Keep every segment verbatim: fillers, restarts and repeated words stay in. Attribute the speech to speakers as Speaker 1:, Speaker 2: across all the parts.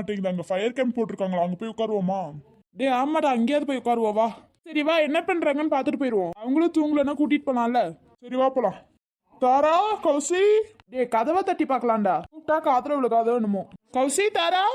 Speaker 1: மாட்டேங்குது. அங்க fire camp போட்டிருக்காங்களா, அங்க போய் உட்காருவோமா?
Speaker 2: டே ஆமாடா, அங்கேயாவது போய் உட்காருவோம் வா. சரி வா, என்ன பண்றாங்கன்னு பார்த்துட்டு போயிடுவோம். அவங்களும் தூங்கலன்னா கூட்டிட்டு போனால.
Speaker 1: சரி வா போலாம். தாரா, கௌசி.
Speaker 2: டே கதவை தட்டி பார்க்கலாம்டா. கூப்பிட்டா காத்துல உள்ள கதவை என்னமோ. கௌசி, தாரா.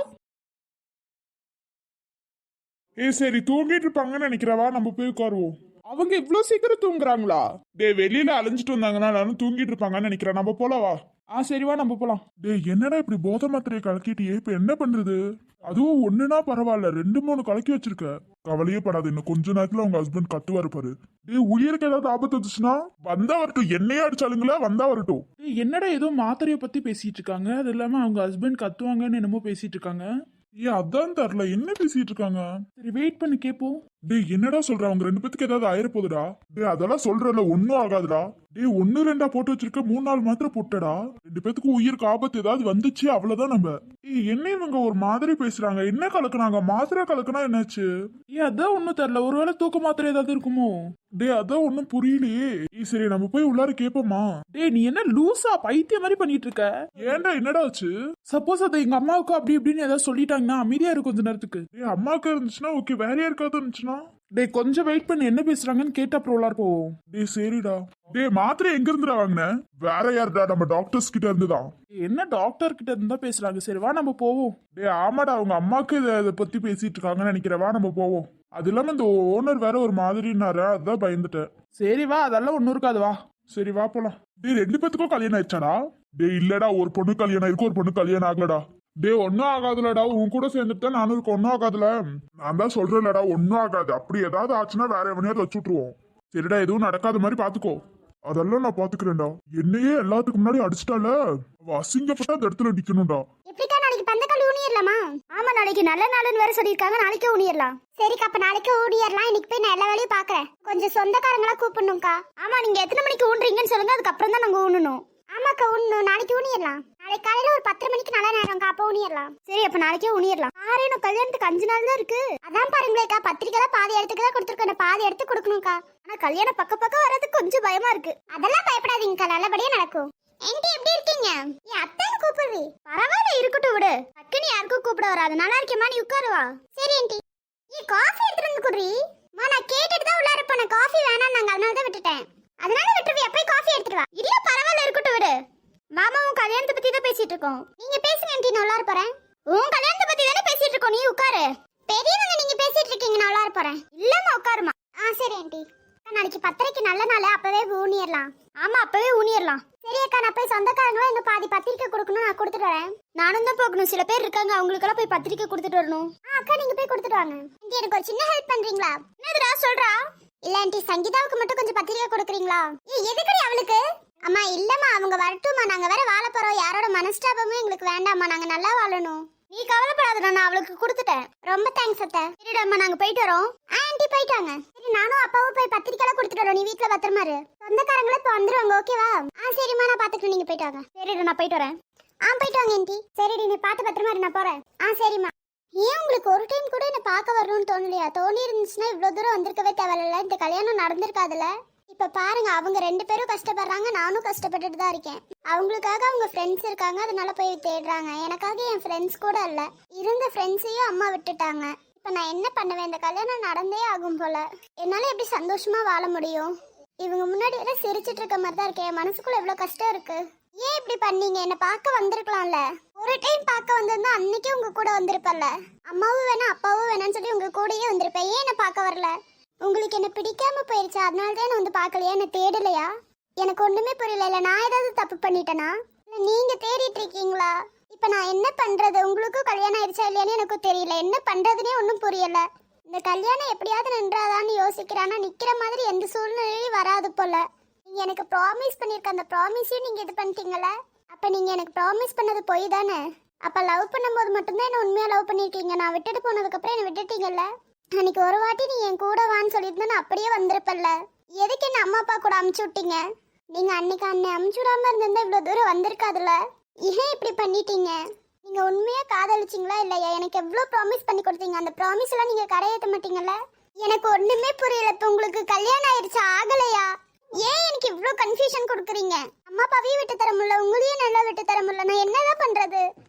Speaker 1: ஏ சரி, தூங்கிட்டு இருப்பாங்கன்னு நினைக்கிறவா, நம்ம போய் உட்காருவோம்.
Speaker 2: அவங்க இவ்வளோ சீக்கிரம் தூங்குறாங்களா?
Speaker 1: டே வெளியில அலைஞ்சிட்டு வந்தாங்கன்னா நானும் தூங்கிட்டு இருப்பாங்கன்னு நினைக்கிறேன். நம்ம போலவா?
Speaker 2: ஆ சரிவா, நம்ம போலாம்.
Speaker 1: டே என்னடா இப்படி போதை மாத்திரையை கலக்கிட்டியே, இப்ப என்ன பண்றது? அதுவும் ஒண்ணுனா பரவாயில்ல, ரெண்டு மூணு கலக்கி வச்சிருக்க. கவலையே படாது, இன்னும் கொஞ்ச நேரத்துல உங்க ஹஸ்பண்ட் கத்துவாரு பாரு. டே உயிருக்கு ஏதாவது ஆபத்து வந்துச்சுன்னா வந்தா வரட்டும். என்னையா அடிச்சாலுங்களா, வந்தா வரட்டும்.
Speaker 2: டேய் என்னடா ஏதோ மாத்திரையை பத்தி பேசிட்டு இருக்காங்க. அது இல்லாம அவங்க ஹஸ்பண்ட் கத்துவாங்கன்னு என்னமோ பேசிட்டு இருக்காங்க.
Speaker 1: ஏ அதான் தெரியல, என்ன பேசிட்டு இருக்காங்க.
Speaker 2: சரி வெயிட் பண்ணி கேப்போம்.
Speaker 1: டேய் என்னடா சொல்ற, அவங்க ரெண்டு பேத்துக்கு ஏதாவது ஆயிரப்போகுதுடா. டே அதெல்லாம் சொல்றல, ஒன்னும் ஆகாதுடா. டே ஒன்னு ரெண்டா போட்டு வச்சிருக்க, மூணு நாள் மாத்திரம் போட்டடா. ரெண்டு பேத்துக்கு உயிருக்கு ஆபத்து ஏதாவது வந்துச்சு அவ்வளவுதான். நம்ம ஏய் என்ன இவங்க ஒரு மாதிரி பேசுறாங்க. என்ன கலக்குனாங்க? மாத்திரை கலக்குனா என்னாச்சு?
Speaker 2: ஏ அதான் ஒண்ணும் தெரியல, ஒருவேளை தூக்க மாத்திரை ஏதாவது இருக்குமோ?
Speaker 1: டே அதான் ஒன்னும் புரியலையே. ஏய் சரி நம்ம போய் உள்ளார கேப்போமா?
Speaker 2: டேய் நீ என்ன லூசா பைத்திய மாதிரி பண்ணிட்டு இருக்க?
Speaker 1: ஏன்டா என்னடா ஆச்சு?
Speaker 2: சப்போஸ் அது எங்க அம்மாவுக்கு அப்படி இப்படின்னு ஏதாவது சொல்லிட்டாங்கன்னா அமைதியா இருக்கும் கொஞ்ச நேரத்துக்கு.
Speaker 1: டேய் அம்மாக்கு இருந்துச்சுன்னா ஓகே, வேற யாருக்காவது இருந்துச்சுன்னா?
Speaker 2: டேய் கொஞ்சம் வெயிட் பண்ணி என்ன பேசுறாங்கன்னு கேட்டு அப்புறம் உள்ளார போவோம்.
Speaker 1: டேய் சரிடா. டேய் மாத்திரை எங்க இருந்துடா வாங்கின? வேற யாருடா, நம்ம டாக்டர்ஸ் கிட்ட இருந்துதான்.
Speaker 2: என்ன டாக்டர் கிட்ட இருந்தா பேசுறாங்க. சரி வா நம்ம போவோம்.
Speaker 1: டேய் ஆமாடா, அவங்க அம்மாக்கு இதை இதை பத்தி பேசிட்டு இருக்காங்கன்னு நினைக்கிறேன். வா நம்ம போவோம். அது இல்லாம இந்த ஓனர் வேற ஒரு மாதிரினாரு, அதான் பயந்துட்டேன்.
Speaker 2: சரி வா, அதெல்லாம் ஒன்னும் இருக்காது வா.
Speaker 1: சரி வா போலாம். டேய் ரெண்டு பேத்துக்கும் கல்யாணம் ஆயிடுச்சாடா? டேய் இல்லடா, ஒரு பொண்ணு கல்யாணம் ஆயிருக்கு, ஒரு பொண்ணு கல்யாணம் ஆகலடா. டேய் ஒன்னும் ஆகாதுலடா, உன் கூட சேர்ந்துட்டா நானும் இருக்க, ஒன்னும் ஆகாதுல. நான் தான் சொல்றேன்லடா, ஒன்னும் ஆகாது. அப்படி ஏதாவது ஆச்சுன்னா வேற எவனையாவது வச்சு விட்டுருவோம். சரிடா, எதுவும் நடக்காத மாதிரி பாத்துக்கோ. அதெல்லாம் நான் பாத்துக்கிறேன்டா. என்னையே எல்லாத்துக்கு முன்னாடி அடிச்சிட்டால, அவ அசிங்கப்பட்டா அந்த இடத்துல நிக்கணும்டா.
Speaker 3: எப்படிக்கா நாளைக்கு பந்தக்கால் ஊனியர்லாமா? ஆமா நாளைக்கு நல்ல நாளுன்னு வேற சொல்லிருக்காங்க. நாளைக்கே ஊனியர்லாம். சரிக்கா, அப்ப நாளைக்கே ஊனியர்லாம். இன்னைக்கு போய் நான் எல்லா வேலையும் பாக்குறேன். கொஞ்சம் சொந்தக்காரங்களா கூப்பிடணும்க்கா. ஆமா நீங்க எத்தனை மணிக்கு ஊன்றீங்கன்னு சொல்லுங்க, அதுக்கப்புறம் தான் நாங்க ஊனணும். ஆமாக்கா ஊனணும், நாளைக்கு ஊனியர்லாம். நாளைக்கு காலையில ஒரு பத்தரை மணிக்கு நல்ல நேரம்க்கா, அப்ப ஊனியர்லாம். சரி அப்ப நாளைக்கே ஊனியர்லாம். ஆரேனும் கல்யாணத்துக்கு அஞ்சு நாள் தான் இருக்கு. அதான் பாருங்களேக்கா, பத்திரிக்கை தான் பாதி இடத்துக்கு தான் கொடுத்துருக்கேன், பாதி எடுத்து கொடுக்கணும்க்கா. ஆனா கல்யாணம் பக்க பக்கம் வர்றதுக்கு கொஞ்சம் பயமா இருக்கு. அதெல்லாம் பயப்படாதீங்கக்கா, நல்லபடியா நடக்கும். ஆன்ட்டி எப்படி இருக்கீங்க? என் அத்தைன்னு கூப்பிடுறீ? பரவாயில்ல இருக்கட்டும் விடு. டக்குன்னு யாருக்கும் கூப்பிட வராது. நல்லா இருக்கேம்மா, நீ உட்காருவா. சரி ஆன்ட்டி. ஏ காஃபி எடுத்துட்டு வந்து குடுறி. மா நான் கேட்டுட்டு தான் உள்ளார போனேன், காஃபி வேணாம் நாங்க, அதனால தான் விட்டுட்டேன். அதனால விட்டுருவி, போய் காஃபி எடுத்துட்டு வா. இல்ல பரவாயில்ல இருக்கட்டும் விடு. மாமா உன் கல்யாணத்தை பத்தி தான் பேசிட்டு இருக்கோம். நீங்க பேசுங்க ஆன்ட்டி, நான் உள்ளார போறேன். உன் கல்யாணத்தை பத்தி தானே பேசிட்டு இருக்கோம், நீ உட்காரு. பெரியவங்க நீங்க பேசிட்டு இருக்கீங்க, நான் உள்ளார போறேன். இல்லம்மா உட்காருமா. ஆ சரி ஆன்ட்டி. நாளைக்கு பத்திரிக்கை நல்ல நாள், அப்பவே ஊனியர்லாம். ஆமா அப்பவே ஊனியர்லாம். சரி அக்கா, நான் போய் சொந்தக்காரங்களும் எங்க பாதி பத்திரிக்கை கொடுக்கணும், நான் கொடுத்துட்டு வரேன். நானும் தான் போகணும், சில பேர் இருக்காங்க, அவங்களுக்கெல்லாம் போய் பத்திரிக்கை கொடுத்துட்டு வரணும். ஆ அக்கா நீங்க போய் கொடுத்துட்டு வாங்க. ஆன்ட்டி எனக்கு ஒரு சின்ன ஹெல்ப் பண்றீங்களா? என்னதுடா சொல்றா? இல்ல ஆன்ட்டி, சங்கீதாவுக்கு மட்டும் கொஞ்சம் பத்திரிக்கை கொடுக்குறீங்களா? ஏ எதுக்குடி அவளுக்கு? அம்மா இல்லம்மா, அவங்க வரட்டும்மா, நாங்க வேற வாழ போறோம். யாரோட மனஸ்தாபமும் எங்களுக்கு வேண்டாம்மா, நாங்க நல்லா வாழணும். நீ கவலைப்படாத, நான் அவளுக்கு கொடுத்துட்டேன். ரொம்ப தேங்க்ஸ் அத்தை. சரிடாம்மா, நாங்க போயிட்டு வரோம். ஆன்ட்டி போயிட்டாங்க. சரி நானும் அப்பாவும் போய் பத்திரிக்கைலாம் கொடுத்துட்டு வரோம். நீ வீட்டுல பத்திரமா இரு. சொந்தக்காரங்களே இப்போ வந்துருவாங்க, ஓகேவா? ஆ சரிம்மா, நான் பாத்துக்கிறேன், நீங்க போயிட்டு வாங்க. சரிடா நான் போயிட்டு வரேன். ஆ போயிட்டு வாங்க ஆன்ட்டி. சரிடி நீ பார்த்து பத்திரமா இரு, நான் போறேன். ஆ சரிம்மா. ஏன் உங்களுக்கு ஒரு டைம் கூட என்ன பார்க்க வரணும்னு தோணலையா? தோணி இருந்துச்சுன்னா இவ்வளவு தூரம் வந்திருக்கவே தேவையில்ல, இந்த கல்யாணம் நடந்திருக்காதுல்ல. இப்ப பாருங்க, அவங்க ரெண்டு பேரும் கஷ்டப்படுறாங்க, நானும் கஷ்டப்பட்டுட்டு தான் இருக்கேன். அவங்களுக்காக அவங்க ஃப்ரெண்ட்ஸ் இருக்காங்க, அதனால போய் தேடுறாங்க. எனக்காக என் ஃப்ரெண்ட்ஸ் கூட இல்ல, இருந்த ஃப்ரெண்ட்ஸையும் அம்மா விட்டுட்டாங்க. இப்ப நான் என்ன பண்ணுவேன்? இந்த கல்யாணம் நடந்தே ஆகும் போல. என்னால எப்படி சந்தோஷமா வாழ முடியும்? இவங்க முன்னாடி வர சிரிச்சிட்டு இருக்க மாதிரி தான் இருக்கேன். என் மனசுக்குள்ள எவ்வளவு கஷ்டம் இருக்கு. ஏன் இப்படி பண்ணீங்க? என்ன பார்க்க வந்திருக்கலாம்ல. ஒரு டைம் பார்க்க வந்திருந்தா அன்னைக்கே உங்க கூட வந்திருப்பல்ல. அம்மாவும் வேணா அப்பாவும் வேணான்னு சொல்லி உங்க கூடயே வந்திருப்பேன். ஏன் என்ன பார்க்க வரல? உங்களுக்கு என்ன பிடிக்காம போயிருச்சா? அதனால தான் வந்து பார்க்கலையா? என்ன தேடலையா? எனக்கு ஒண்ணுமே புரியல. இல்ல நான் ஏதாவது தப்பு பண்ணிட்டேனா? இல்ல நீங்க தேடிட்டு இருக்கீங்களா? இப்ப நான் என்ன பண்றது? உங்களுக்கும் கல்யாணம் ஆயிடுச்சா இல்லையான்னு எனக்கு தெரியல. என்ன பண்றதுனே ஒன்றும் புரியல. இந்த கல்யாணம் எப்படியாவது நின்றாதான்னு யோசிக்கிறானா, நிக்கிற மாதிரி எந்த சூழ்நிலையும் வராது போல. நீங்க எனக்கு ப்ராமிஸ் பண்ணிருக்க அந்த ப்ராமிஸையும் நீங்க இது பண்ணிட்டீங்களே. அப்ப நீங்க எனக்கு ப்ராமிஸ் பண்ணது போய் தானே? அப்ப லவ் பண்ணும்போது மட்டும்தான் என்ன உண்மையா லவ் பண்ணிருக்கீங்க. நான் விட்டுட்டு போனதுக்கு அப்புறம் என்ன விட்டுட்டீங்கல்ல. அன்னைக்கு ஒரு வாட்டி நீ என் கூட வான்னு சொல்லியிருந்தா நான் அப்படியே வந்திருப்பல்ல. எதுக்கு என்ன அம்மா அப்பா கூட அமுச்சு விட்டீங்க? நீங்க அன்னைக்கு அன்னை அமுச்சு விடாம இருந்திருந்தா இவ்வளவு தூரம் வந்திருக்காதுல்ல. ஏன் இப்படி பண்ணிட்டீங்க? நீங்க உண்மையா காதலிச்சிங்களா இல்லையா? எனக்கு எவ்வளவு ப்ராமிஸ் பண்ணி கொடுத்தீங்க, அந்த ப்ராமிஸ் எல்லாம் நீங்க கரையேற்ற மாட்டீங்கல்ல. எனக்கு ஒண்ணுமே புரியல. இப்ப உங்களுக்கு கல்யாணம் ஆயிடுச்சா ஆகலையா? ஏன் எனக்கு இவ்வளவு கன்ஃபியூஷன் கொடுக்குறீங்க? அம்மா அப்பாவையும் விட்டு தர முடியல, உங்களையும் நல்லா விட்டு தர முடியல. நான் என்னதான் பண்றது?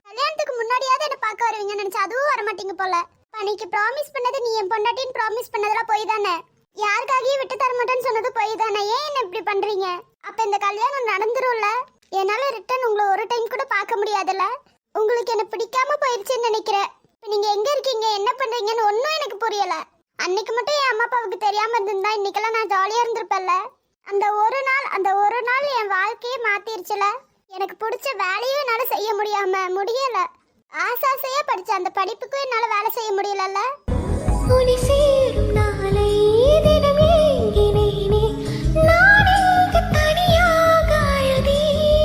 Speaker 3: கல்யாணத்துக்கு முன்னாடியாவது என்ன பார்க்க வருவீங்கன்னு நினைச்சா அதுவும் வர மாட்டீங்க போல. பணிக்கு ப்ராமிஸ் பண்ணது நீ என் பொண்டாட்டின்னு ப்ராமிஸ் பண்ணதெல்லாம் போய் தானே. யாருக்காகவும் விட்டு தர மாட்டேன்னு சொன்னது போய் தானே. ஏன் என்ன இப்படி பண்றீங்க? அப்ப இந்த கல்யாணம் நடந்துரும்ல. என்னால ரிட்டர்ன் உங்களை ஒரு டைம் கூட பார்க்க முடியாதுல்ல. உங்களுக்கு என்ன பிடிக்காம போயிடுச்சுன்னு நினைக்கிறேன். இப்ப நீங்க எங்க இருக்கீங்க, என்ன பண்றீங்கன்னு ஒன்னும் எனக்கு புரியல. அன்னைக்கு மட்டும் என் அம்மா அப்பாவுக்கு தெரியாம இருந்திருந்தா இன்னைக்கெல்லாம் நான் ஜாலியா இருந்திருப்பேன்ல. அந்த ஒரு நாள் அந்த ஒரு நாள் என் வாழ்க்கையே மாத்திருச்சுல. எனக்கு பிடிச்ச வேலையும் என்னால செய்ய முடியாம முடியல. ஆசாசையா படிச்ச அந்த படிப்புக்கும் என்னால வேலை செய்ய முடியலல்ல.
Speaker 4: உனி சேரும் நாளை தினம் ஏங்கினேனே, நான் இங்கு தனியாக அழுதே.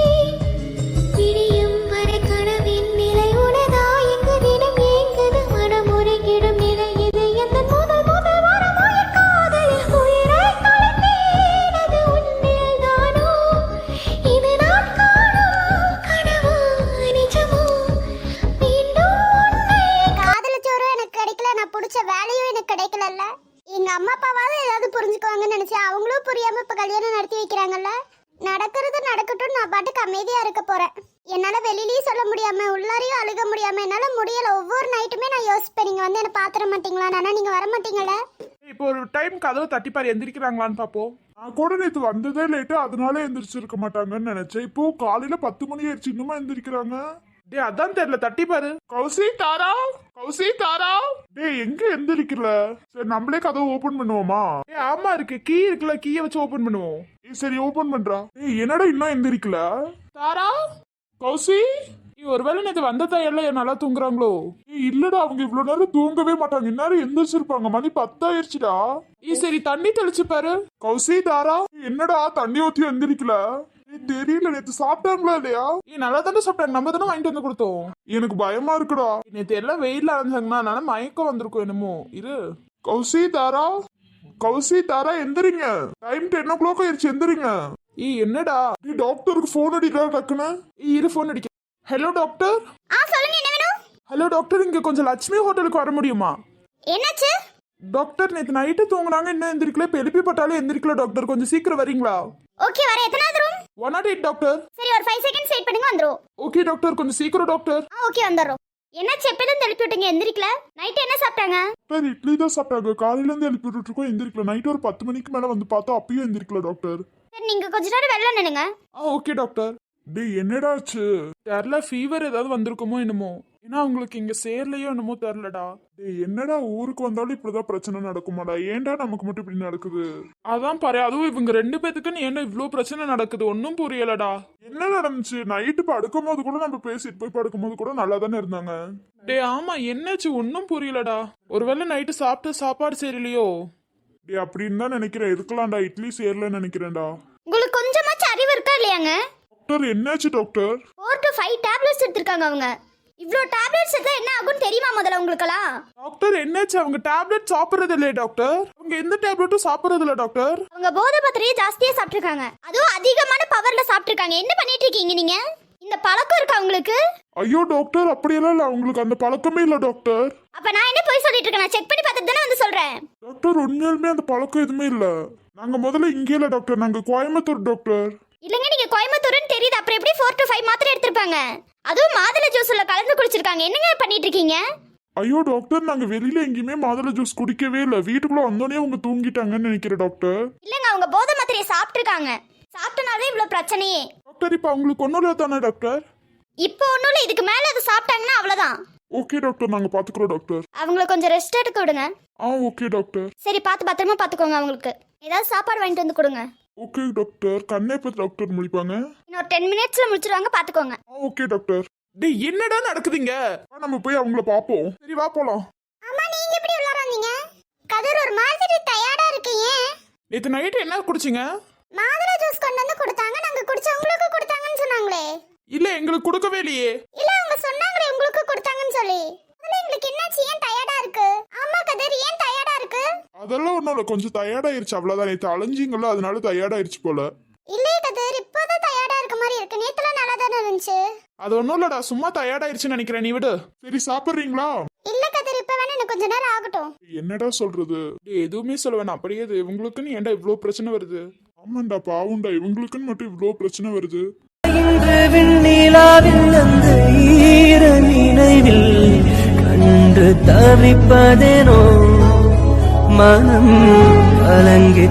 Speaker 4: விடியும் வரை கனவின் நிலை உனதா, இங்கு தினம் ஏங்குது மனம் உருகிடும் நிலை இது. எந்த முதல் முதல் வரமாய காதலில் உயிரை தொலைத்தேன், அது உன்னில் தானோ? இது நான் காணும் கனவா நிஜமோ? மீண்டும் உன்னை
Speaker 3: காதலிச்சோரும் எனக்கு கிடைக்கல, நான் பிடிச்ச வேலையும் எனக்கு கிடைக்கலல்ல. எங்க அம்மா அப்பாவாவது ஏதாவது புரிஞ்சுக்குவாங்கன்னு நினைச்சேன். அவங்களும் புரியாம இப்ப கல்யாணம் நடத்தி வைக்கிறாங்கல்ல. நடக்கிறது நடக்கட்டும், நான் பாட்டுக்கு அமைதியா இருக்க போறேன். என்னால வெளியிலயும் சொல்ல முடியாம உள்ளாரையும் அழுக முடியாம என்னால முடியல. ஒவ்வொரு நைட்டுமே நான் யோசிப்பேன், நீங்க வந்து என்ன பாத்திர மாட்டீங்களா, ஆனா நீங்க வர மாட்டீங்கல்ல.
Speaker 2: இப்போ ஒரு டைம் கதவு தட்டிப்பாரு எந்திரிக்கிறாங்களான்னு பாப்போம்.
Speaker 1: நான் கூட நேத்து வந்ததே லேட்டு, அதனால எந்திரிச்சிருக்க மாட்டாங்கன்னு நினைச்சேன். இப்போ காலையில பத்து மணி ஆயிடுச்சு, இன்னுமா எந்திரிக்கிறாங்க?
Speaker 2: டே அதான் தெரியல, தட்டிப்பாரு.
Speaker 1: கௌசி தாரா, கௌசி தாரா. டேய் எங்க எந்திரிக்கல? சரி நம்மளே கதவை ஓபன் பண்ணுவோமா?
Speaker 2: ஏ ஆமா இருக்கு, கீ இருக்குல்ல, கீயை வச்சு ஓபன் பண்ணுவோம்.
Speaker 1: ஏய், சரி ஓபன் பண்றா. டேய் என்னடா இன்னும் எந்திரிக்கல?
Speaker 2: தாரா,
Speaker 1: கௌசி.
Speaker 2: நீ ஒருவேளை நேற்று வந்த எல்லாம் நல்லா தூங்குறாங்களோ?
Speaker 1: ஏய் இல்லடா, அவங்க இவ்வளவு நேரம் தூங்கவே மாட்டாங்க. இந்நேரம் எந்திரிச்சிருப்பாங்க. மணி பத்தாயிருச்சுடா.
Speaker 2: ஈ சரி தண்ணி தெளிச்சு பாரு.
Speaker 1: கௌசி தாரா, என்னடா தண்ணி ஊத்தி எந்திரிக்கல? ஏய், தெரியல, நேத்து சாப்பிட்டாங்களா இல்லையா?
Speaker 2: ஏ நல்லா தானே சாப்பிட்டாங்க, நம்ம தானே வாங்கிட்டு வந்து கொடுத்தோம்.
Speaker 1: எனக்கு பயமா இருக்குடா.
Speaker 2: நேற்று எல்லாம் வெயில்ல அலைஞ்சாங்கன்னா அதனால மயக்கம் வந்திருக்கும் என்னமோ. இரு.
Speaker 1: கௌசி தாரா, கௌசி தாரா எந்திரிங்க. டைம் டென் ஓ கிளாக் ஆயிருச்சு, எந்திரிங்க.
Speaker 2: ஈ என்னடா?
Speaker 1: நீ டாக்டருக்கு போன் அடிக்கிறா டக்குன்னு.
Speaker 2: ஈ இரு ஃபோன் அடிக்க. Hello doctor.
Speaker 3: ஆ சொல்லுங்க, என்ன வேணும்?
Speaker 2: ஹலோ டாக்டர், இங்க கொஞ்சம் லட்சுமி ஹோட்டலுக்கு வர முடியுமா?
Speaker 3: என்னாச்சு?
Speaker 2: டாக்டர் நேற்று நைட்டு தூங்குனாங்க, இன்னும் எந்திரிக்கல. இப்போ எழுப்பி போட்டாலே எந்திரிக்கல டாக்டர், கொஞ்சம் சீக்கிரம் வரீங்களா?
Speaker 3: ஓகே வர. எத்தனாவது room?
Speaker 2: One nought eight doctor.
Speaker 3: சரி ஒரு ஃபைவ் செகண்ட்ஸ் வெயிட் பண்ணுங்க, வந்துரும்.
Speaker 2: ஓகே டாக்டர், கொஞ்சம் சீக்கிரம் டாக்டர்.
Speaker 3: ஆ ஓகே வந்துரும். என்னாச்சு, எப்பதான் தெளிப்பி விட்டீங்க, எந்திரிக்கல? நைட் என்ன சாப்பிட்டாங்க?
Speaker 1: டாக்டர் இட்லி தான் சாப்பிட்டாங்க. காலையில இருந்து எழுப்பி விட்டுட்டு இருக்கோம், எந்திரிக்கல. நைட் ஒரு பத்து மணிக்கு மேல வந்து பார்த்தா அப்பயும் எந்திரிக்கல டாக்டர்.
Speaker 3: சரி நீங்க கொஞ்ச நேரம் வெளில நின்னுங்க.
Speaker 2: ஆ ஓகே டாக்டர்.
Speaker 1: டேய் என்னடாச்சு?
Speaker 2: தெரில, ஃபீவர் ஏதாவது வந்திருக்குமோ என்னமோ. ஏன்னா உங்களுக்கு இங்க சேர்லையோ என்னமோ தெரிலடா.
Speaker 1: டேய் என்னடா, ஊருக்கு வந்தாலும் இப்படிதான் பிரச்சனை நடக்குமாடா? ஏன்டா நமக்கு மட்டும் இப்படி நடக்குது?
Speaker 2: அதான் பாரு, அதுவும் இவங்க ரெண்டு பேத்துக்குன்னு ஏன்டா இவ்ளோ பிரச்சனை நடக்குது, ஒன்னும் புரியலடா.
Speaker 1: என்ன நடந்துச்சு? நைட்டு படுக்கும் போது கூட நம்ம பேசிட்டு போய் படுக்கும் போது கூட நல்லா தானே இருந்தாங்க.
Speaker 2: டே ஆமா, என்னாச்சு ஒன்னும் புரியலடா. ஒருவேளை நைட்டு சாப்பிட்டு சாப்பாடு சரியில்லையோ?
Speaker 1: டேய் அப்படின்னு தான் நினைக்கிறேன். இருக்கலாம்டா, இட்லி சேரலன்னு நினைக்கிறேன்டா.
Speaker 3: உங்களுக்கு கொஞ்சமாச்சும் அறிவு இருக்கா இல்லையாங்க?
Speaker 1: டாக்டர் என்னாச்சு doctor?
Speaker 3: Four to five tablets எடுத்திருக்காங்க அவங்க. இவ்ளோ டேப்லெட்ஸ் எடுத்தா என்ன ஆகும்னு தெரியுமா முதல்ல உங்களுக்கெல்லாம்?
Speaker 2: டாக்டர் என்னாச்சு? அவங்க டேப்லெட் சாப்பிடுறது இல்லையே டாக்டர். அவங்க எந்த டேப்லெட்டும் சாப்பிடுறது இல்ல டாக்டர்.
Speaker 3: அவங்க போதை பத்திரியை ஜாஸ்தியா சாப்பிட்டிருக்காங்க, அதுவும் அதிகமான பவர்ல சாப்பிட்டிருக்காங்க. என்ன பண்ணிட்டு இருக்கீங்க நீங்க? இந்த பழக்கம் இருக்கா உங்களுக்கு?
Speaker 1: ஐயோ டாக்டர், அப்படியெல்லாம் இல்ல, அவங்களுக்கு அந்த பழக்கமே இல்ல டாக்டர்.
Speaker 3: அப்ப நான் என்ன போய் சொல்லிட்டு இருக்கேன்? நான் செக் பண்ணி பார்த்துட்டு தானே வந்து சொல்றேன்.
Speaker 1: டாக்டர் உண்மையாலுமே அந்த பழக்கம் எதுவுமே இல்ல. நாங்க முதல்ல இங்கே இல்ல டாக்டர், நாங்க கோயம்புத்தூர் டாக்டர்.
Speaker 3: இல்லங்க, நீங்க கோயம்புத்தூர்னு தெரியுது, அப்புறம் எப்படி ஃபோர் டு ஃபைவ் மாத்திரை எடுத்திருப்பாங்க? அதுவும் மாதுளை ஜூஸ்ல கலந்து குடிச்சிருக்காங்க. என்னங்க பண்ணிட்டு இருக்கீங்க?
Speaker 1: ஐயோ டாக்டர், நாங்க வெளியில எங்கேயுமே மாதுளை ஜூஸ் குடிக்கவே இல்ல. வீட்டுக்குள்ள வந்தோடனே அவங்க தூங்கிட்டாங்கன்னு நினைக்கிறேன் டாக்டர்.
Speaker 3: இல்லங்க, அவங்க போதை மாத்திரையை சாப்பிட்டிருக்காங்க. சாப்பிட்டனாலே இவ்வளவு பிரச்சனையே.
Speaker 2: டாக்டர் இப்போ அவங்களுக்கு ஒன்றும் இல்லை தானே டாக்டர்?
Speaker 3: இப்போ ஒன்றும் இல்லை, இதுக்கு மேலே அது சாப்பிட்டாங்கன்னா அவ்வளோதான்.
Speaker 1: ஓகே டாக்டர், நாங்க பாத்துக்கிறோம் டாக்டர்.
Speaker 3: அவங்கள கொஞ்சம் ரெஸ்ட் எடுக்க விடுங்க.
Speaker 1: ஆ ஓகே டாக்டர்.
Speaker 3: சரி பார்த்து பத்திரமா பார்த்துக்கோங்க. அவங்களுக்கு ஏதாவது சாப்பாடு வாங்கிட்டு வந்து கொடுங்க.
Speaker 1: Okay doctor. கண்ணை எப்போ டாக்டர் முடிப்பாங்க?
Speaker 3: இன்னொரு டென் மினிட்ஸ்ல முடிச்சிருவாங்க, பார்த்துக்கோங்க.
Speaker 1: ஆ ஓகே டாக்டர்.
Speaker 2: டேய் என்னடா நடக்குதுங்க?
Speaker 1: வா, நம்ம போய் அவங்கள பாப்போம்.
Speaker 2: சரி வா போலாம்.
Speaker 3: அம்மா நீங்க எப்படி உள்ளார வந்தீங்க? கதிர் ஒரு மாதிரி டயர்டா இருக்கீங்க.
Speaker 2: நேற்று நைட்டு என்ன குடிச்சிங்க?
Speaker 3: மாதுளை ஜூஸ் கொண்டு வந்து கொடுத்தாங்க, நாங்க குடிச்சு உங்களுக்கு கொடுத்தாங்கன்னு சொன்னாங்களே.
Speaker 2: இல்ல எங்களுக்கு கொடுக்கவே இல்லையே.
Speaker 3: இல்ல அவங்க சொன்னாங்களே உங்களுக்கு கொடுத்தாங்கன்னு சொல்லி. அதுல எங்களுக்கு என்னாச்சு, ஏன் டயர்டா இருக்கு? ஆமா கதிர், ஏன் டயர்டா இருக்கு?
Speaker 1: அதெல்லாம் ஒண்ணும் இல்ல, கொஞ்சம் டயர்டாயிருச்சு அவ்வளவுதான். நேற்று அலைஞ்சிங்களோ அதனால டயர்டாயிருச்சு போல.
Speaker 3: இல்லையே கதிர், இப்போதான் டயர்டா இருக்க மாதிரி இருக்கு. நேத்துலாம் நல்லா தானே இருந்துச்சு.
Speaker 2: அது ஒன்றும் இல்லடா, சும்மா டயர்டாயிருச்சுன்னு நினைக்கிறேன், நீ விடு.
Speaker 1: சரி சாப்பிட்றீங்களா?
Speaker 3: இல்ல கதிர், இப்ப வேணா எனக்கு கொஞ்ச நேரம் ஆகட்டும்.
Speaker 1: என்னடா சொல்றது?
Speaker 2: டேய் எதுவுமே சொல்ல வேணாம், அப்படியே இவங்களுக்குன்னு ஏன்டா இவ்வளோ பிரச்சனை வருது?
Speaker 1: ஆமாண்டா பாவுண்டா, இவங்களுக்குன்னு மட்டும் இவ்வளோ பிரச்சனை வருது.
Speaker 5: இன்று விண்ணிலாவில் அந்த ஈர நினைவில் கண்டு தவிப்பதேனோ மனம் கலங்கி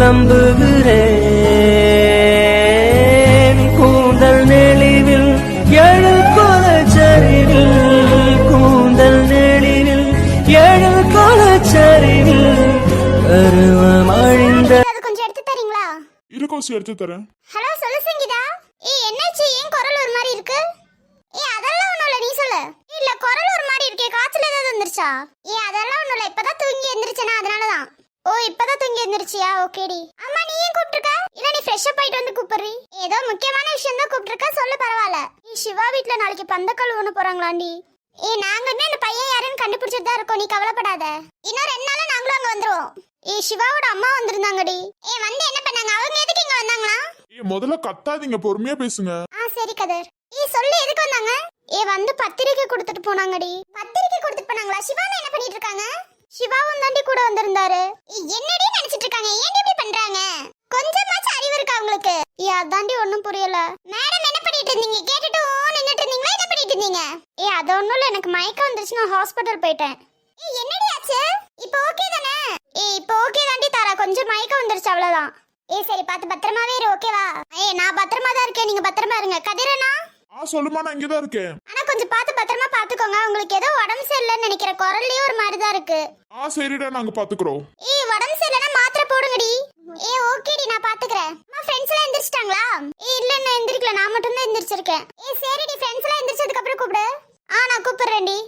Speaker 5: புலம்புகிறேன் கூந்தல் நெளிவில் எழு கொலச்சரிவில் கூந்தல் நெளிவில் எழு கொலச்சரிவில் பருவம் அழிந்த
Speaker 3: அது கொஞ்சம் எடுத்து தரீங்களா?
Speaker 1: இரு கோசி எடுத்து தரேன்.
Speaker 3: ஹலோ சொல்லு சங்கீதா. ஏய் என்னாச்சு, ஏன் குரல் ஒரு மாதிரி இருக்கு? ஏய் அதெல்லாம் ஒண்ணும் இல்ல, நீ சொல்லு. இல்ல குரல் ஒரு மாதிரி இருக்கே, காய்ச்சல் ஏதாவது வந்துருச்சா? ஏய் அதெல்லாம் ஒண்ணும் இல்ல, இப்பதான் தூங்கி எந்திரிச்சேனா அதனாலதான். ஓ இப்பதான் தூங்கி எந்திரிச்சியா? ஓகேடி. அம்மா நீ ஏன் கூப்பிட்டுருக்க? இல்ல நீ ஃப்ரெஷ் அப் ஆயிட்டு வந்து கூப்பிடுறீ. ஏதோ முக்கியமான விஷயம் தான் கூப்பிட்டுருக்க, சொல்லு பரவாயில்ல. நீ சிவா வீட்ல நாளைக்கு பந்தக்கல் ஒண்ணு போறாங்களாண்டி. ஏய் நாங்களுமே அந்த பையன் யாருன்னு கண்டுபிடிச்சிட்டு தான் இருக்கோம், நீ கவலைப்படாத. இன்னும் ரெண்டு நாள்ல நாங்களும் அங்க வந்துருவோம். ஏய் சிவாவோட அம்மா வந்திருந்தாங்கடி. ஏய் வந்து என்ன பண்ணாங்க? அவங்க எதுக்கு இங்க வந்தாங்களா?
Speaker 1: ஏய் முதல்ல கத்தாதீங்க, பொறுமையா பேசுங்க.
Speaker 3: ஆ சரி கதர். ஏய் சொல்லு எதுக்கு வந்தாங்க? ஏய் வந்து பத்திரிக்கை கொடுத்துட்டு போனாங்கடி. பத்திரிக்கை கொடுத்துட்டு போனாங்களா? சிவானா என்ன பண்ணிட்டு இருக்காங்க? சிவாவும் தாண்டி கூட வந்திருந்தாரு. ஏய் என்னடி நினைச்சிட்டு இருக்காங்க? ஏன் இப்படி பண்றாங்க? கொஞ்சமாச்சும் அறிவு இருக்கா உங்களுக்கு? ஏய் அதாண்டி ஒண்ணும் புரியல. மேடம் என்ன பண்ணிட்டு இருந்தீங்க? கேட்டுட்டு நின்னுட்டு இருந்தீங்களா? என்ன பண்ணிட்டு இருந்தீங்க? ஏய் அது ஒண்ணும் இல்ல, எனக்கு மயக்கம் வந்துருச்சு, நான் ஹாஸ்பிடல் போயிட்டேன். ஏய் என்னடி ஆச்சு? இப்போ ஓகே தானே? ஏய் இப்போ ஓகே தாண்டி தாரா, கொஞ்சம் மயக்கம் வந்துருச்சு அவ்வளவுதான். ஏய் சரி பார்த்து பத்திரமாவே இரு, ஓகேவா? ஏய் நான் பத்திரமா தான் இருக்கேன், நீங்க பத்திரமா இருங்க. கதிரனா?
Speaker 1: ஆ சொல்லுமா, நான் இங்கதான் இருக்கேன்.
Speaker 3: ஆனா கொஞ்சம் பார்த்து பத்திரமா பாத்துக்கோங்க, உங்களுக்கு ஏதோ உடம்பு சரியில்லைன்னு நினைக்கிற, குரல்லயே ஒரு மாதிரி தான் இருக்கு.
Speaker 1: ஆ சரிடா, நாங்க பாத்துக்கிறோம்.
Speaker 3: ஏய் உடம்பு சரியில்லைன்னா மாத்திரை போடுங்கடி. ஏய் ஓகேடி நான் பாத்துக்கறேன். அம்மா ஃப்ரெண்ட்ஸ் எல்லாம் எந்திரிச்சிட்டாங்களா? ஏய் இல்ல நான் எந்திரிக்கல, நான் மட்டும் தான் எந்திரிச்சிருக்கேன். ஏய் சரிடி, ஃப்ரெண்ட்ஸ் எல்லாம் எந்திரிச்சதுக்கு அப்புறம் கூப்பிடு. ஆ நான் கூப்பிடுறேன்டி.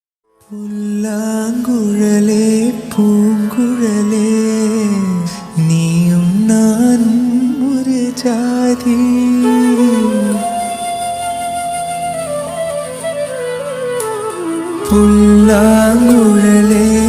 Speaker 5: புல்லாங்குழலே பூங்குழலே நீயும் நானும் ஒரு ஜாதி புல்லாங்குழலே